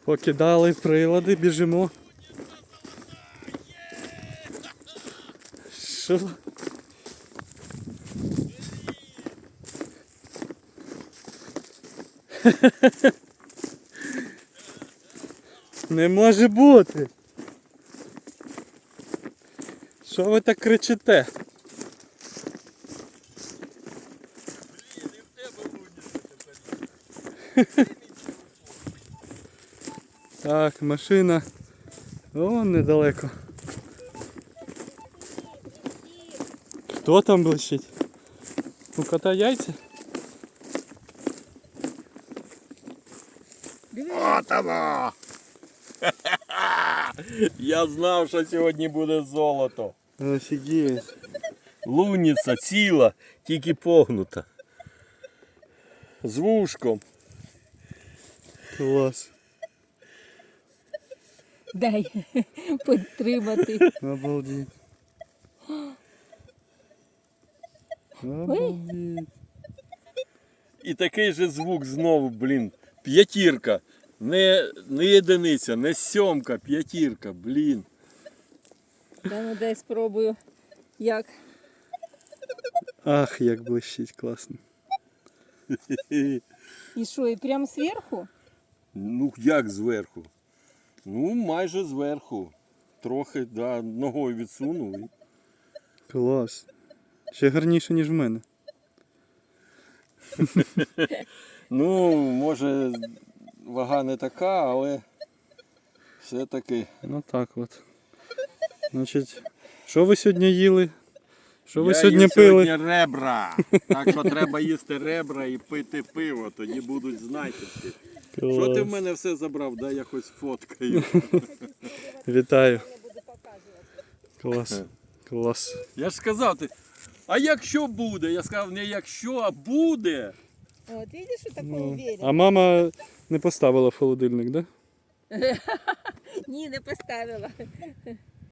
Покидали прилади, біжимо. Що? Не може бути. Що ви так кричите? Так, машина. Вон недалеко. Хто там блищить? У кота яйця? От воно! Я знав, що сьогодні буде золото. Офігеть. Лунниця ціла, тільки погнута. З вушком. Клас. Дай підтримати. Обалдеть. Обалдеть. І такий же звук знову, блін. П'ятірка. Не єдиниця, не сьомка, п'ятірка, блін. Да, ну дай спробую. Як? Ах, як блищить, класно. І що, і прямо зверху? Ну як зверху? Ну майже зверху. Трохи, да, ногою відсунув. І... Клас. Ще гарніше, ніж в мене. Ну, може, вага не така, але все-таки. Ну так от. Значить, що ви сьогодні їли? Що ви Я сьогодні їв пили? сьогодні ребра. Так що треба їсти ребра і пити пиво, тоді будуть знахідки. Що ти в мене все забрав? Дай я хоч фоткаю. Вітаю. Клас. Клас. Я ж сказав, а якщо буде? Я сказав, не якщо, а буде. От, видиш, що такий Ну, уверен. а мама не поставила в холодильник, да? Ні, не поставила.